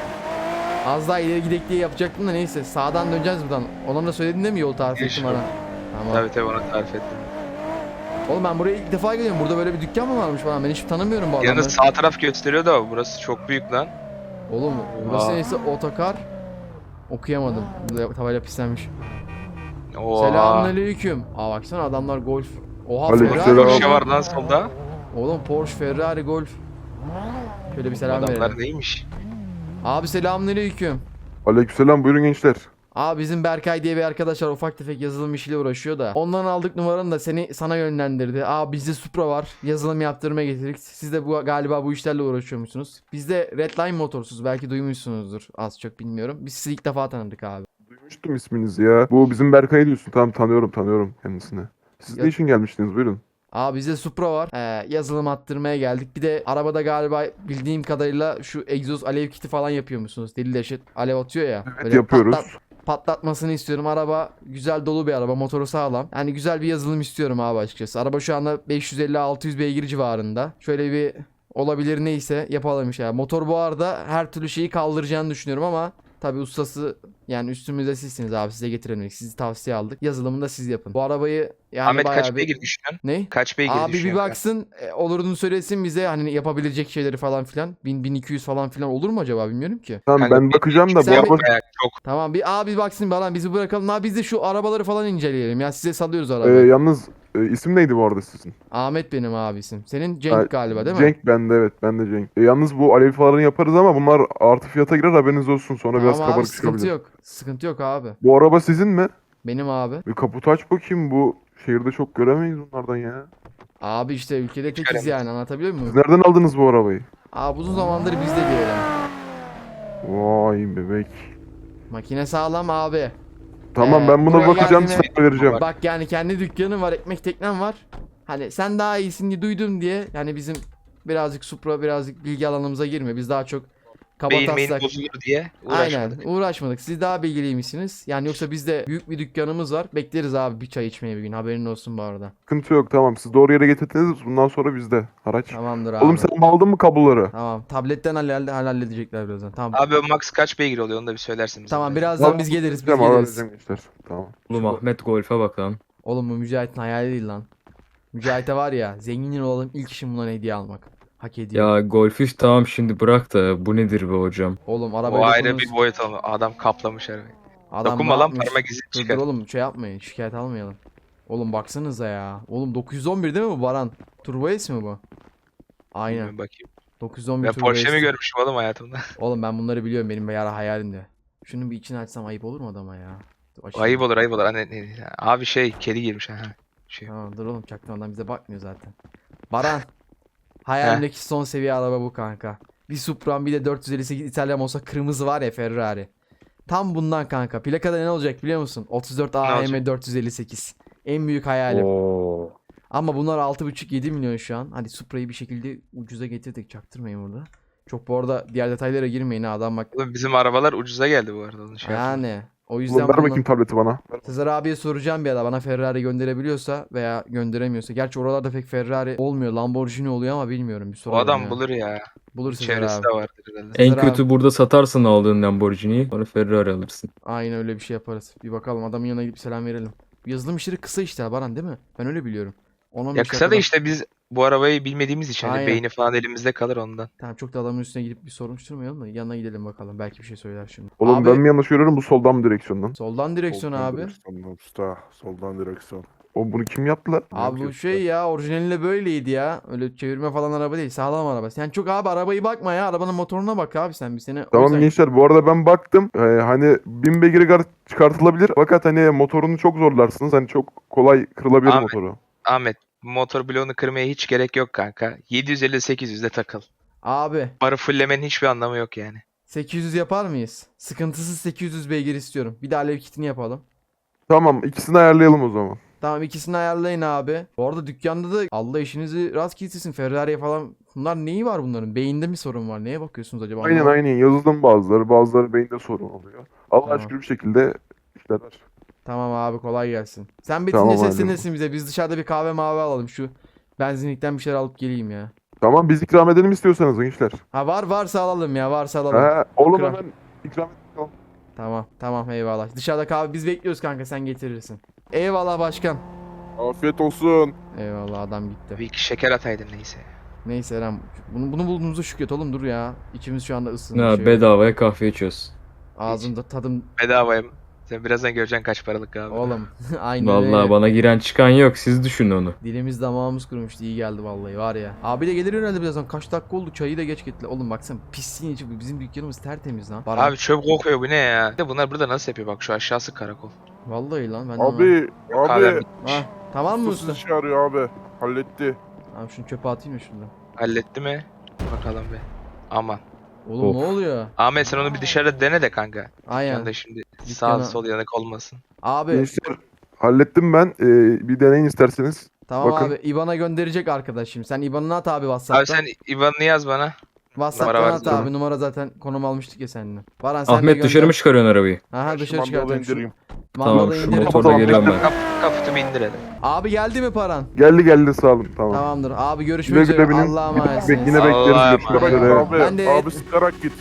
[SPEAKER 1] Az daha ileri gidek diye yapacaktım da neyse. Sağdan döneceğiz buradan. Ona da söyledin değil mi yol tarif ettim
[SPEAKER 5] Yaşa.
[SPEAKER 1] bana? Tamam.
[SPEAKER 5] Tabii tabii onu tarif ettim.
[SPEAKER 1] Oğlum ben buraya ilk defa geliyorum. Burada böyle bir dükkan mı varmış falan? Ben hiç tanımıyorum bu adamları.
[SPEAKER 5] Yalnız sağ taraf gösteriyor da burası çok büyük lan.
[SPEAKER 1] Oğlum burası
[SPEAKER 5] Aa.
[SPEAKER 1] neyse otokar. Okuyamadım. Burada tabela pislenmiş.
[SPEAKER 5] Oha.
[SPEAKER 1] Selamünaleyküm. Aa baksana adamlar golf. Oha
[SPEAKER 7] Aleykümselam.
[SPEAKER 1] Ferrari.
[SPEAKER 5] Bir şey var lan solda.
[SPEAKER 1] Oğlum Porsche, Ferrari, golf. Şöyle bir selam
[SPEAKER 5] Adamlar
[SPEAKER 1] verelim.
[SPEAKER 5] neymiş?
[SPEAKER 1] Abi selamünaleyküm.
[SPEAKER 7] Aleykümselam, buyurun gençler.
[SPEAKER 1] Abi bizim Berkay diye bir arkadaş var, ufak tefek yazılım işiyle uğraşıyor da. Ondan aldık numaranı da sana yönlendirdi. Abi bizde Supra var. Yazılım yaptırmaya getirdik. Siz de galiba bu işlerle uğraşıyormuşsunuz. Bizde Redline motorsuz, belki duymuşsunuzdur. Az çok bilmiyorum. Biz sizi ilk defa tanıdık abi.
[SPEAKER 7] Duymuştum isminizi ya. Bu bizim Berkay diyorsun. Tamam, tanıyorum kendisini. Siz
[SPEAKER 1] Ya-
[SPEAKER 7] ne için gelmiştiniz, buyurun.
[SPEAKER 1] Abi bizde Supra var. Yazılım attırmaya geldik. Bir de arabada galiba bildiğim kadarıyla şu egzoz alev kiti falan yapıyor musunuz? Deli deşet alev atıyor ya.
[SPEAKER 7] Evet,
[SPEAKER 1] Böyle
[SPEAKER 7] yapıyoruz.
[SPEAKER 1] patlatmasını istiyorum. Araba güzel, dolu bir araba. Motoru sağlam. Yani güzel bir yazılım istiyorum abi açıkçası. Araba şu anda 550-600 beygir civarında. Şöyle bir olabilir neyse yapalım ya. Motor bu arada her türlü şeyi kaldıracağını düşünüyorum ama tabi ustası yani üstümüzde sizsiniz abi, size getiremedik. Sizi tavsiye aldık. Yazılımını da siz yapın. Bu arabayı yani
[SPEAKER 5] Ahmet
[SPEAKER 1] bayağı
[SPEAKER 5] kaç
[SPEAKER 1] bir...
[SPEAKER 5] beygir düşünüyorsun?
[SPEAKER 1] Ne?
[SPEAKER 5] Kaç beygir
[SPEAKER 1] Abi bir
[SPEAKER 5] düşünüyorsun?
[SPEAKER 1] baksın olurunu söylesin bize, hani yapabilecek şeyleri falan filan. 1000-1200 falan filan olur mu acaba, bilmiyorum ki.
[SPEAKER 7] Tamam,
[SPEAKER 5] Kanka,
[SPEAKER 7] ben bakacağım da bu
[SPEAKER 1] sen
[SPEAKER 7] araba...
[SPEAKER 5] Bayağı çok.
[SPEAKER 1] Tamam bir abi baksın bana, bizi bırakalım. Abi biz de şu arabaları falan inceleyelim ya, size salıyoruz arabayı.
[SPEAKER 7] Yalnız isim neydi bu arada sizin?
[SPEAKER 1] Ahmet benim abisim. Senin Cenk
[SPEAKER 7] Ha,
[SPEAKER 1] galiba değil mi?
[SPEAKER 7] Cenk bende, evet, ben de Cenk. Yalnız bu alev falanı yaparız ama bunlar artı fiyata girer, haberiniz olsun. Sonra biraz
[SPEAKER 1] Tamam abi
[SPEAKER 7] kabarık
[SPEAKER 1] sıkıntı
[SPEAKER 7] çıkabilir.
[SPEAKER 1] yok. Sıkıntı yok abi.
[SPEAKER 7] Bu araba sizin mi?
[SPEAKER 1] Benim abi.
[SPEAKER 7] Bir kaputu aç bakayım, bu şehirde çok göremeyiz bunlardan ya.
[SPEAKER 1] Abi işte ülkede tekiz
[SPEAKER 5] Çıkaramadım.
[SPEAKER 1] yani, anlatabiliyor
[SPEAKER 7] Siz
[SPEAKER 1] muyum?
[SPEAKER 7] nereden aldınız bu arabayı?
[SPEAKER 1] Abi uzun zamandır bizde diyelim.
[SPEAKER 7] Vay bebek.
[SPEAKER 1] Makine sağlam abi.
[SPEAKER 7] Tamam, ben buna
[SPEAKER 1] buraya
[SPEAKER 7] bakacağım,
[SPEAKER 1] geldiğine-
[SPEAKER 7] size vereceğim.
[SPEAKER 1] Bak yani kendi dükkanım var, ekmek teknem var. Hani sen daha iyisin diye duydum diye. Yani bizim birazcık Supra, birazcık bilgi alanımıza girme. Biz daha çok
[SPEAKER 5] Beyin
[SPEAKER 1] kabataslak.
[SPEAKER 5] bozulur diye
[SPEAKER 1] Aynen
[SPEAKER 5] uğraşmadık.
[SPEAKER 1] uğraşmadık. Siz daha bilgiliymişsiniz. Yani yoksa bizde büyük bir dükkanımız var. Bekleriz abi bir çay içmeye bir gün. Haberin olsun bu arada.
[SPEAKER 7] Sıkıntı yok, tamam, siz doğru yere getirdiniz, bundan sonra bizde araç.
[SPEAKER 1] Tamamdır abi.
[SPEAKER 7] Oğlum sen aldın mı kabloları?
[SPEAKER 1] Tamam. Tabletten halledecekler birazdan. Tamam.
[SPEAKER 5] Abi o max kaç beygir oluyor onu da bir söylersin bize.
[SPEAKER 1] Tamam
[SPEAKER 5] de.
[SPEAKER 1] birazdan
[SPEAKER 7] Tamam,
[SPEAKER 1] biz geliriz. Biz
[SPEAKER 7] Tamam,
[SPEAKER 1] geliriz.
[SPEAKER 7] arayacağım gençler. Tamam.
[SPEAKER 3] Oğlum Ahmet Golf'e bak lan.
[SPEAKER 1] Oğlum bu Mücahit'in hayali değil lan. Mücahit'e var ya, zengin olalım ilk işim bundan hediye almak. Hak ediyor.
[SPEAKER 3] Ya Golf'ü tamam şimdi bırak da bu nedir be hocam?
[SPEAKER 1] Oğlum arabayı
[SPEAKER 5] O ayrı
[SPEAKER 1] dokunuruz.
[SPEAKER 5] bir boyut oldu. Adam kaplamış arabayı.
[SPEAKER 1] Adam
[SPEAKER 5] Dokunma
[SPEAKER 1] ne
[SPEAKER 5] lan,
[SPEAKER 1] yapmış?
[SPEAKER 5] parmak izi
[SPEAKER 1] Dur,
[SPEAKER 5] çıkar.
[SPEAKER 1] dur oğlum şey yapmayın, şikayet almayalım. Oğlum baksanıza ya. Oğlum 911 değil mi bu Baran? Turbo S mi bu? Aynen.
[SPEAKER 5] Bilmiyorum, bakayım.
[SPEAKER 1] 911
[SPEAKER 5] Ben
[SPEAKER 1] Turbo
[SPEAKER 5] Porsche
[SPEAKER 1] S.
[SPEAKER 5] mi görmüşüm oğlum hayatımda?
[SPEAKER 1] Oğlum ben bunları biliyorum, benim bir ara hayalimdi. Şunun bir içini açsam ayıp olur mu adama ya? Dur, açayım.
[SPEAKER 5] Ayıp olur ayıp olur. Abi şey kedi girmiş ha. Şey.
[SPEAKER 1] Tamam dur oğlum, çaktırmadan bize bakmıyor zaten. Baran. Hayalimdeki son seviye araba bu kanka. Bir Supra'm, bir de 458 İtalyan olsa kırmızı var ya, Ferrari. Tam bundan kanka. Plakada ne olacak biliyor musun? 34
[SPEAKER 5] Ne
[SPEAKER 1] AM
[SPEAKER 5] olacak?
[SPEAKER 1] 458. En büyük hayalim.
[SPEAKER 3] Oo.
[SPEAKER 1] Ama bunlar 6,5-7 milyon şu an. Hadi Supra'yı bir şekilde ucuza getirdik. Çaktırmayın burada. Çok bu arada diğer detaylara girmeyin ha, adam bak.
[SPEAKER 5] Oğlum bizim arabalar ucuza geldi bu arada. Onu şey yapma.
[SPEAKER 1] Yani O yüzden
[SPEAKER 7] Oğlum ver
[SPEAKER 1] bundan-
[SPEAKER 7] bakayım tableti bana.
[SPEAKER 1] Sezer abiye soracağım bir ara bana Ferrari gönderebiliyorsa veya gönderemiyorsa. Gerçi oralarda pek Ferrari olmuyor. Lamborghini oluyor ama bilmiyorum. Bir
[SPEAKER 5] O
[SPEAKER 1] sorarım
[SPEAKER 5] adam
[SPEAKER 1] ya.
[SPEAKER 5] bulur ya.
[SPEAKER 1] Bulur Sezer
[SPEAKER 5] Çevresi
[SPEAKER 1] abi.
[SPEAKER 5] de vardır herhalde.
[SPEAKER 1] Sezer
[SPEAKER 3] En
[SPEAKER 1] abi.
[SPEAKER 3] kötü burada satarsın aldığın Lamborghini'yi. Sonra Ferrari alırsın.
[SPEAKER 1] Aynen öyle bir şey yaparız. Bir bakalım adamın yanına gidip selam verelim. Yazılım işleri kısa işte Baran değil mi? Ben öyle biliyorum. 10-15
[SPEAKER 5] Ya kısa da
[SPEAKER 1] dakikada-
[SPEAKER 5] işte biz bu arabayı bilmediğimiz için hani
[SPEAKER 1] Aynen.
[SPEAKER 5] beyni falan elimizde kalır ondan.
[SPEAKER 1] Tamam çok da adamın üstüne gidip bir soruşturmayalım da yanına gidelim bakalım. Belki bir şey söyler şimdi.
[SPEAKER 7] Oğlum
[SPEAKER 1] abi,
[SPEAKER 7] ben mi yanlış görüyorum bu soldan mı direksiyondan?
[SPEAKER 1] soldan direksiyon
[SPEAKER 8] Soldan
[SPEAKER 1] abi.
[SPEAKER 8] direksiyondan usta. Soldan direksiyon.
[SPEAKER 7] O bunu kim yaptı lan?
[SPEAKER 1] Abi bu şey ya orijinalinde böyleydi ya. Öyle çevirme falan araba değil. Sağlam araba. Sen çok abi arabayı bakma ya. Arabanın motoruna bak abi sen. Bir sene o
[SPEAKER 7] Tamam
[SPEAKER 1] yüzden-
[SPEAKER 7] gençler bu arada ben baktım. Hani 1000 beygir çıkartılabilir. Fakat hani motorunu çok zorlarsınız. Hani çok kolay kırılabilir
[SPEAKER 5] Ahmet.
[SPEAKER 7] motoru.
[SPEAKER 5] Ahmet bu motor bloğunu kırmaya hiç gerek yok kanka. 750-800'de takıl.
[SPEAKER 1] Abi
[SPEAKER 5] Barı fullemenin hiçbir anlamı yok yani.
[SPEAKER 1] 800 yapar mıyız? Sıkıntısız 800 beygir istiyorum. Bir de alev kitini yapalım.
[SPEAKER 7] Tamam ikisini ayarlayalım o zaman.
[SPEAKER 1] Tamam ikisini ayarlayın abi. Bu arada dükkanda da Allah işinizi rast getirsin. Ferrari'ye falan. Bunlar neyi var bunların? Beyinde mi sorun var? Neye bakıyorsunuz acaba?
[SPEAKER 7] Aynen
[SPEAKER 1] Anlamadım.
[SPEAKER 7] aynen yazılım bazıları beyinde sorun oluyor. Allah'a
[SPEAKER 1] Tamam.
[SPEAKER 7] şükür bir şekilde işler.
[SPEAKER 1] Tamam abi kolay gelsin. Sen
[SPEAKER 7] Tamam,
[SPEAKER 1] bitince
[SPEAKER 7] hadi.
[SPEAKER 1] seslenirsin bize. Biz dışarıda bir kahve mavi alalım. Şu benzinlikten bir şeyler alıp geleyim ya.
[SPEAKER 7] Tamam biz ikram edelim istiyorsanız gençler.
[SPEAKER 1] Ha varsa alalım ya. Varsa alalım.
[SPEAKER 7] Ha, oğlum
[SPEAKER 1] İkram.
[SPEAKER 7] hemen ikram edelim.
[SPEAKER 1] Tamam eyvallah. Dışarıda kahve biz bekliyoruz kanka sen getirirsin. Eyvallah başkan.
[SPEAKER 8] Afiyet olsun.
[SPEAKER 1] Eyvallah adam gitti.
[SPEAKER 5] Bir iki şeker ataydın neyse.
[SPEAKER 1] Neyse Eren bunu bulduğumuza şükret oğlum dur ya. İçimiz şu anda ısındı.
[SPEAKER 3] Ha,
[SPEAKER 1] şey
[SPEAKER 3] bedavaya kahve içiyoruz.
[SPEAKER 1] Ağzımda tadım
[SPEAKER 5] Bedavaya mı? Sen birazdan göreceksin kaç paralık abi.
[SPEAKER 1] oğlum. Aynen
[SPEAKER 3] Vallahi
[SPEAKER 1] öyle.
[SPEAKER 3] bana giren çıkan yok. Siz düşünün onu.
[SPEAKER 1] Dilimiz damağımız kurumuştu iyi geldi vallahi var ya. Abi de gelir herhalde birazdan kaç dakika oldu çayı da geç getirdi. Oğlum baksana pisliğin içi bizim dükkanımız tertemiz lan. Baran.
[SPEAKER 5] Abi çöp kokuyor bu ne ya? Bir de bunlar burada nasıl yapıyor bak şu aşağısı karakol.
[SPEAKER 1] Vallahi lan ben de anlamadım.
[SPEAKER 8] Abi.
[SPEAKER 5] Kahvem
[SPEAKER 8] Abi.
[SPEAKER 5] bitmiş.
[SPEAKER 1] Ha, tamam mı
[SPEAKER 8] Usta
[SPEAKER 1] usta?
[SPEAKER 8] sizi çağırıyor abi. Halletti.
[SPEAKER 1] Abi şunu çöpe atayım mı şuradan?
[SPEAKER 5] Halletti mi? Bakalım be. Aman.
[SPEAKER 1] Oğlum
[SPEAKER 3] Of.
[SPEAKER 1] ne oluyor?
[SPEAKER 5] Ahmet sen onu bir dışarıda dene de kanka.
[SPEAKER 1] Aynen.
[SPEAKER 5] Sen de şimdi
[SPEAKER 1] Dükkana-
[SPEAKER 5] sağ sol yanık olmasın.
[SPEAKER 1] Abi
[SPEAKER 7] Gençler hallettim ben. Bir deneyin isterseniz.
[SPEAKER 1] tamam
[SPEAKER 7] bakın.
[SPEAKER 1] abi IBAN'a gönderecek arkadaşım. Sen IBAN'ını at abi WhatsApp'tan.
[SPEAKER 5] Abi sen IBAN'ını yaz bana.
[SPEAKER 1] WhatsApp'tan
[SPEAKER 5] numara
[SPEAKER 1] at
[SPEAKER 5] var
[SPEAKER 1] abi.
[SPEAKER 7] zaten.
[SPEAKER 1] Numara zaten konum almıştık ya seninle. Baran sen de
[SPEAKER 3] Ahmet
[SPEAKER 1] gönder.
[SPEAKER 3] dışarı mı çıkarıyorsun arabayı?
[SPEAKER 1] Aha
[SPEAKER 8] Şu
[SPEAKER 1] dışarı
[SPEAKER 8] mandalı
[SPEAKER 1] çıkartıyorum.
[SPEAKER 8] indireyim.
[SPEAKER 3] Tamam
[SPEAKER 1] Mandalı
[SPEAKER 3] şu
[SPEAKER 1] indirin.
[SPEAKER 3] motorla geliyorum ben.
[SPEAKER 5] Kaputu bir indir hele.
[SPEAKER 1] Abi geldi mi paran?
[SPEAKER 7] Geldi sağ olun tamam.
[SPEAKER 1] Tamamdır. Abi
[SPEAKER 7] Güle
[SPEAKER 1] görüşmek üzere.
[SPEAKER 7] güle binin.
[SPEAKER 1] Allah'a
[SPEAKER 7] Yine
[SPEAKER 1] emanetsiniz.
[SPEAKER 7] bekleriz.
[SPEAKER 5] Allah'a
[SPEAKER 7] Görüşmek
[SPEAKER 5] emanet.
[SPEAKER 7] üzere.
[SPEAKER 8] Abi.
[SPEAKER 1] Ben de-
[SPEAKER 8] Abi sıkarak git.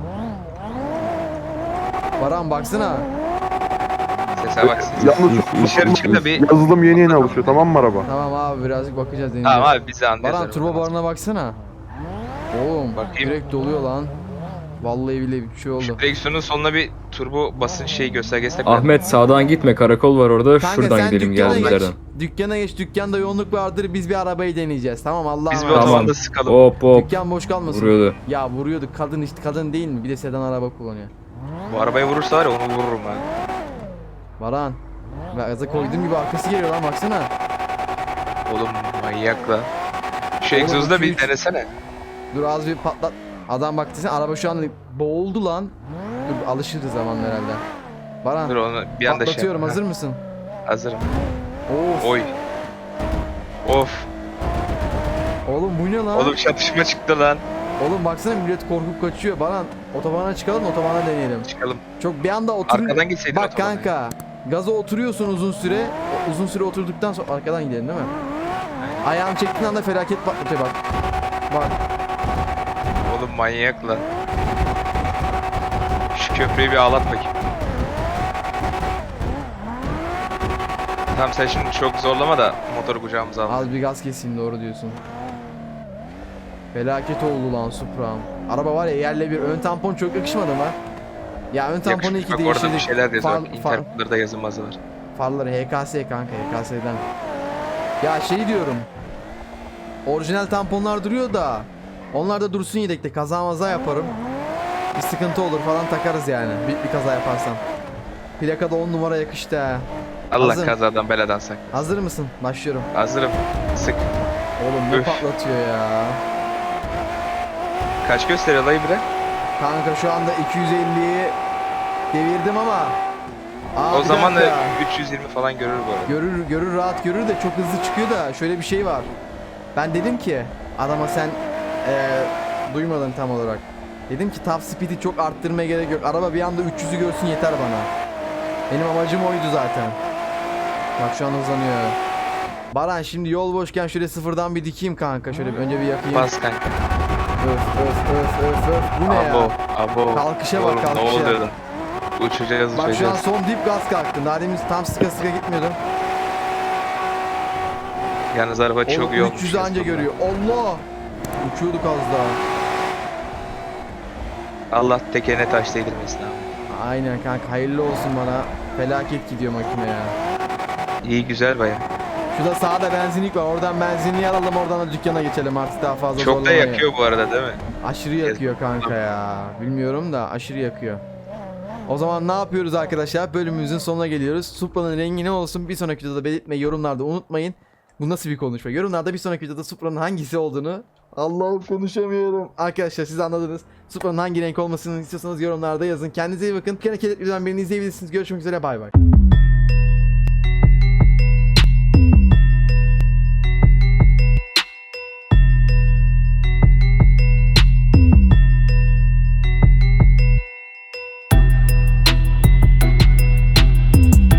[SPEAKER 1] Baran baksana.
[SPEAKER 5] Sese bak.
[SPEAKER 7] Yalnız
[SPEAKER 5] Dışarı çık da bir.
[SPEAKER 7] yazılım yeni alışıyor tamam mı araba?
[SPEAKER 1] Tamam abi birazcık bakacağız
[SPEAKER 5] Tamam
[SPEAKER 1] deneyeceğiz.
[SPEAKER 5] abi bizi anlıyoruz.
[SPEAKER 1] Baran turbo barına baksana. Oğlum
[SPEAKER 5] Bakayım.
[SPEAKER 1] direkt doluyor lan. Vallahi bile bir şey oldu.
[SPEAKER 5] Direksiyonun sonuna bir turbo basınç şeyi göstergesi de koy.
[SPEAKER 3] Ahmet sağdan gitme karakol var orada.
[SPEAKER 1] Kanka
[SPEAKER 3] Şuradan
[SPEAKER 1] sen
[SPEAKER 3] gidelim
[SPEAKER 1] dükkana
[SPEAKER 3] geldiğimiz
[SPEAKER 1] geç.
[SPEAKER 3] yerden.
[SPEAKER 1] Dükkana geç. Dükkanda yoğunluk vardır. Biz bir arabayı deneyeceğiz. Tamam Allah'a
[SPEAKER 5] Biz bir
[SPEAKER 1] emanet.
[SPEAKER 3] Tamam.
[SPEAKER 5] otobanda sıkalım.
[SPEAKER 3] Hop hop.
[SPEAKER 1] Dükkan boş kalmasın.
[SPEAKER 3] Vuruyordu.
[SPEAKER 1] Ya vuruyordu. Kadın işte kadın değil mi? Bir de sedan araba kullanıyor.
[SPEAKER 5] Bu arabayı vurursa var ya onu vururum ha.
[SPEAKER 1] Baran. Gaza koyduğum gibi arkası geliyor lan baksana.
[SPEAKER 5] Oğlum manyak lan. Şu
[SPEAKER 1] Oğlum,
[SPEAKER 5] egzozu da
[SPEAKER 1] iki,
[SPEAKER 5] bir
[SPEAKER 1] üç.
[SPEAKER 5] denesene.
[SPEAKER 1] Dur az bir patlat. Adam bak desene araba şu an boğuldu lan. Dur alışırız zamanla herhalde. Baran
[SPEAKER 5] Dur onu bir anda şey
[SPEAKER 1] patlatıyorum
[SPEAKER 5] yap.
[SPEAKER 1] hazır mısın?
[SPEAKER 5] Hazırım.
[SPEAKER 1] Of.
[SPEAKER 5] Oy. Of.
[SPEAKER 1] Oğlum bu ne lan?
[SPEAKER 5] Oğlum çatışma çıktı lan.
[SPEAKER 1] Oğlum baksana millet korkup kaçıyor. Baran otobana çıkalım otobana deneyelim.
[SPEAKER 5] Çıkalım.
[SPEAKER 1] Çok bir anda oturun.
[SPEAKER 5] Arkadan gitseydin
[SPEAKER 1] Bak
[SPEAKER 5] otobana.
[SPEAKER 1] kanka. Gaza oturuyorsun uzun süre. Uzun süre oturduktan sonra arkadan gidelim değil mi? Ayağını çektiğin anda felaket patlatıyor bak. Bak.
[SPEAKER 5] Oğlum manyak lan. Şu köprüyü bir ağlat bakayım. Tamam sen şimdi çok zorlama da motoru kucağımıza al.
[SPEAKER 1] Az bir gaz keseyim doğru diyorsun. Felaket oldu lan Supra'm. Araba var ya yerle bir. Ön tampon çok yakışmadı mı? Ya ön tamponu
[SPEAKER 5] Yakışmış.
[SPEAKER 1] iki
[SPEAKER 5] Bak orada bir
[SPEAKER 1] değiştirdik.
[SPEAKER 5] şeyler yazıyor.
[SPEAKER 1] Far-
[SPEAKER 5] Bak,
[SPEAKER 1] far-
[SPEAKER 5] Intercooler'da yazılmazı var.
[SPEAKER 1] Farları HKS kanka HKS'den. Ya şey diyorum. Orijinal tamponlar duruyor da. Onlar da dursun yedekte. Kaza maza yaparım. Bir sıkıntı olur falan takarız yani. Bir kaza yaparsam. Plakada 10 numara yakıştı ha.
[SPEAKER 5] Allah
[SPEAKER 1] Hazır.
[SPEAKER 5] kazadan beladan sak.
[SPEAKER 1] Hazır mısın? Başlıyorum.
[SPEAKER 5] Hazırım. Sık.
[SPEAKER 1] Oğlum ne
[SPEAKER 5] Üf.
[SPEAKER 1] patlatıyor ya.
[SPEAKER 5] Kaç gösteriyor layı bre?
[SPEAKER 1] Kanka şu anda 250'yi devirdim ama. Aa,
[SPEAKER 5] O
[SPEAKER 1] bir
[SPEAKER 5] zaman da
[SPEAKER 1] dakika.
[SPEAKER 5] 320 falan görür bu arada.
[SPEAKER 1] Görür rahat görür de çok hızlı çıkıyor da şöyle bir şey var. Ben dedim ki adama sen duymadın tam olarak. Dedim ki top speed'i çok arttırmaya gerek yok. Araba bir anda 300'ü görsün yeter bana. Benim amacım oydu zaten. Bak şu an hızlanıyor. Baran şimdi yol boşken şöyle sıfırdan bir dikeyim kanka. Şöyle önce bir yakayım.
[SPEAKER 5] Bas kanka.
[SPEAKER 1] Öf. Bu ne
[SPEAKER 5] Abo.
[SPEAKER 1] ya?
[SPEAKER 5] Abo.
[SPEAKER 1] Kalkışa bak,
[SPEAKER 5] Oğlum,
[SPEAKER 1] kalkışa.
[SPEAKER 5] Ne oluyor lan? Uçacağız
[SPEAKER 1] Bak şu an
[SPEAKER 5] uçacağız.
[SPEAKER 1] son dip gaz kalktı. Daha demin tam sıka gitmiyordum.
[SPEAKER 5] Yalnız araba çok
[SPEAKER 1] Oğlum
[SPEAKER 5] iyi olmuş.
[SPEAKER 1] 300 anca görüyor. Allah! Uçuyorduk az daha.
[SPEAKER 5] Allah tekerine taş değdirmesin abi.
[SPEAKER 1] Aynen kanka, hayırlı olsun bana. Felaket gidiyor makine ya.
[SPEAKER 5] İyi güzel baya.
[SPEAKER 1] Şurada sağda benzinlik var. Oradan benzinliği alalım, oradan da dükkana geçelim artık, daha fazla
[SPEAKER 5] Çok da
[SPEAKER 1] zorlamayın.
[SPEAKER 5] yakıyor bu arada değil mi?
[SPEAKER 1] Aşırı yakıyor kanka ya. Bilmiyorum da aşırı yakıyor. O zaman ne yapıyoruz arkadaşlar? Bölümümüzün sonuna geliyoruz. Supra'nın rengi ne olsun bir sonraki videoda belirtmeyi yorumlarda unutmayın. Bu nasıl bir konuşma? Yorumlarda bir sonraki videoda Supra'nın hangisi olduğunu, Allah'ım konuşamıyorum. Arkadaşlar siz anladınız. Supra'nın hangi renk olmasını istiyorsanız yorumlarda yazın. Kendinize iyi bakın. Kendi videodan birini izleyebilirsiniz. Görüşmek üzere, bay bay.